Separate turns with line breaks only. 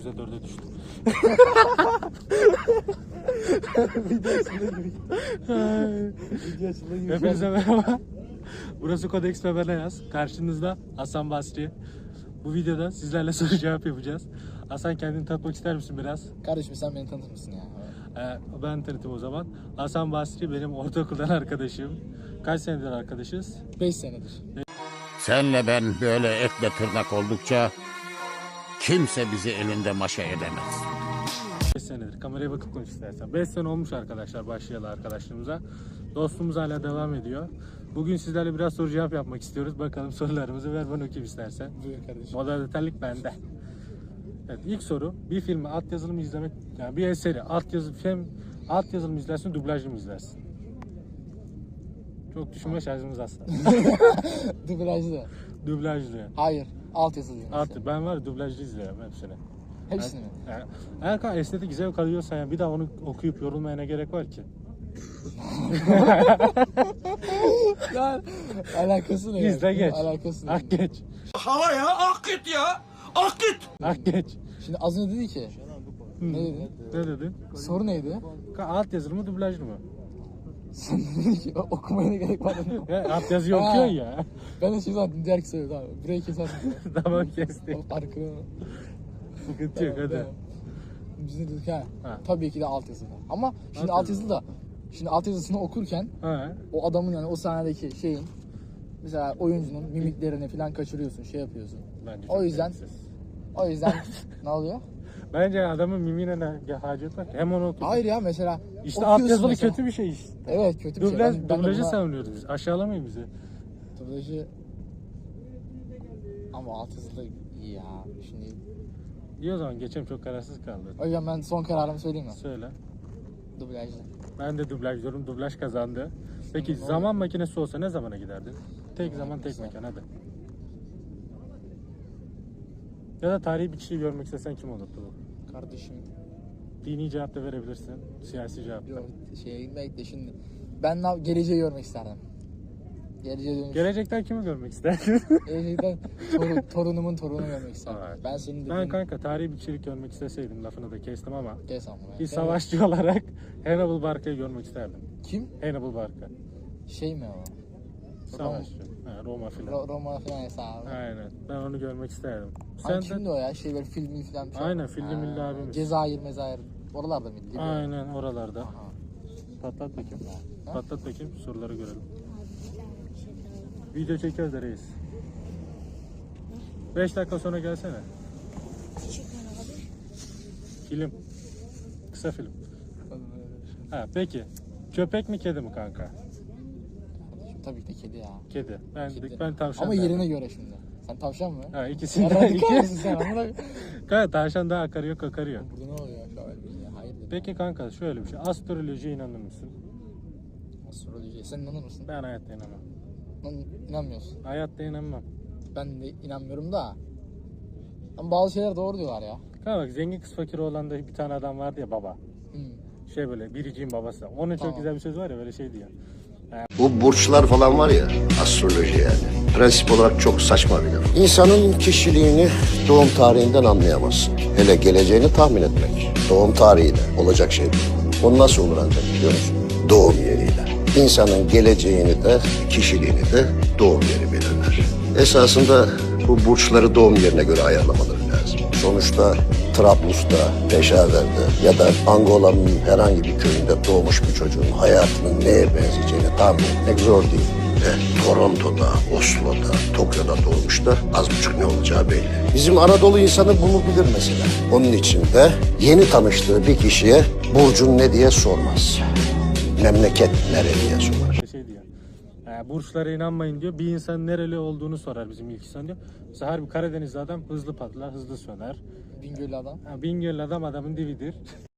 %4'e düştü.
Video açıldı gibi.
Hepinize merhaba. Burası Codex ve Benayaz. Karşınızda Hasan Basri. Bu videoda sizlerle soru cevap yapacağız. Hasan, kendini tanıtmak ister misin biraz?
Kardeşim sen beni tanıtır mısın ya?
Ben tanıtayım o zaman. Hasan Basri benim ortaokuldan arkadaşım. Kaç senedir arkadaşız?
5 senedir.
Senle ben böyle etle tırnak oldukça kimse bizi elinde maşa edemez.
5 senedir. Kameraya bakıp konuş istersen. 5 sene olmuş arkadaşlar başlayalı arkadaşlığımıza. Dostluğumuz hala devam ediyor. Bugün sizlerle biraz soru cevap yapmak istiyoruz. Bakalım sorularımızı, ver ben okuyayım istersen.
Buyur kardeşim.
Moderatörlük bende. Evet, ilk soru, bir filmi altyazılı mı izlemek, yani bir eseri altyazılı mı izlersin, dublajlı mı izlersin? Çok düşünme şarjımız aslında.
Dublajlı.
Dublajlı.
Hayır. Altyazılı.
Ben var ya, dublajlı izliyorum hepsini.
Hepsini mi?
Yani, eğer kan estetik zevk alıyorsan yani bir daha onu okuyup yorulmaya ne gerek var ki?
Lan alakası ne?
İzle
ya?
geç.
Alakası ne?
Ak geç.
Hava ya, ak git ya, ak git.
Ak geç.
Şimdi az önce dedi ki. Ne dedi?
Ne dedin?
Soru neydi?
Altyazılı mı, dublajlı mı?
Sen dedin ki okumaya ne gerek var dedim.
Altyazıyı
Ha.
okuyorsun ya.
Ben de şimdi zaten diğer kısa abi. Burayı kesersin.
Tamam, kestik.
Arkada.
Sıkıntı yok, hadi.
Biz de dedik ha.
Ha.
Tabii ki de altyazılı. Ama şimdi
Altyazılı.
Şimdi altyazısını okurken
Ha.
o adamın yani o sahnedeki şeyin mesela oyuncunun mimiklerini falan kaçırıyorsun, şey yapıyorsun.
Bence
O
çok
yüzden
gereksiz.
ne oluyor?
Bence adamın mimine ne hacet var ki? Hem onu otur.
Hayır ya mesela
İşte
okuyorsun
altyazılı
mesela.
kötü bir şey işte.
Evet, kötü bir şey. Ben de
Dublajı
buna-
savunuyoruz biz. Aşağılamayın bizi.
Dublajı ama altyazılı iyi ya. Şimdi
İyi, o zaman geçelim, çok kararsız kaldı.
o yüzden ben son kararımı söyleyeyim mi?
Söyle.
Dublajlı.
Ben de dublaj diyorum. Dublaj kazandı. Peki zaman makinesi olsa ne zamana giderdin? Tek zaman tek mekan, hadi. Ya da tarihi bir kişiyi görmek istesen kim olurdu bu?
Kardeşim
Dini cevap da verebilirsin. Siyasi cevap da.
yok şeye gitmek de şimdi ben geleceği görmek isterdim. Geleceğe dönüş.
Gelecekten kimi görmek isterdin?
Gelecekten torunumun torununu görmek isterdim.
Evet.
Ben senin dediğin...
Ben kanka tarihi bir kişilik görmek isteseydim, lafını da kestim ama
Kes ama.
bir savaşçı olarak Hannibal Barca'yı görmek isterdim.
Kim?
Hannibal Barca.
Şey mi o?
Savaşçı. Roma filan.
Roma falan hesabı.
Aynen. Ben onu görmek isterdim.
Hani
Sen
kimdi
de...
o ya? Şey böyle filmi falan.
Aynen, filmi milli abimiz.
Cezayir mezayir. Oralarda mıydı? Libya.
Aynen oralarda.
Aha.
Patlat bakayım.
Ha?
Patlat bakayım, soruları görelim. Video çekiyoruz da reis. 5 dakika sonra gelsene. Film. Kısa film. Ha, peki. Köpek mi, kedi mi kanka?
Kardeşim, tabii ki de kedi ya.
Kedi.
Kedi.
Ben tavşan
Ama
derdim.
yerine göre şimdi. Sen tavşan mı?
Ha,
Ya
ikisinden
radikal
iki.
mısın sen? Amına-
Kanka tavşan daha akarıyor, kakarıyor.
Burada ne oluyor? Şöyle bir şey. Hayır dedim.
Peki kanka, şöyle bir şey. Astrolojiye inanır mısın?
Astroloji. Sen inanır mısın?
Ben hayatta inanmam.
İnanmıyorsun.
Hayatta inanmam.
Ben de inanmıyorum da. Ama bazı şeyler doğru diyorlar ya.
Kanka bak, zengin kız fakir olan da bir tane adam vardı ya, baba.
Hmm.
Şey böyle, biriciğin babası. Onun
Tamam.
çok güzel bir söz var ya, böyle şey diyor.
Bu burçlar falan var ya, astroloji yani. Prensip olarak çok saçma bir laf. İnsanın kişiliğini doğum tarihinden anlayamazsın. Hele geleceğini tahmin etmek. Doğum tarihiyle olacak şey değil. O nasıl olur ancak biliyor musun? Doğum yeriyle. İnsanın geleceğini de, kişiliğini de doğum yeri belirler. Esasında bu burçları doğum yerine göre ayarlamaları lazım. Sonuçta Trablus'ta, Peşaver'de ya da Angola'nın herhangi bir köyünde doğmuş bir çocuğun hayatının neye benzeyeceğini tahmin etmek zor değil. Toronto'da, Oslo'da, Tokyo'da doğmuş da az buçuk ne olacağı belli. Bizim Anadolu insanı bunu bilir mesela. Onun için de yeni tanıştığı bir kişiye burcun ne diye sormaz. Memleket nere diye sorar.
Şey diyor. Burçlara inanmayın diyor. Bir insan nereli olduğunu sorar bizim ilk insan diyor. Mesela harbi Karadenizli adam hızlı patlar, hızlı söner.
Bingöl'lü adam.
Bingöl'lü adam adamın dividir.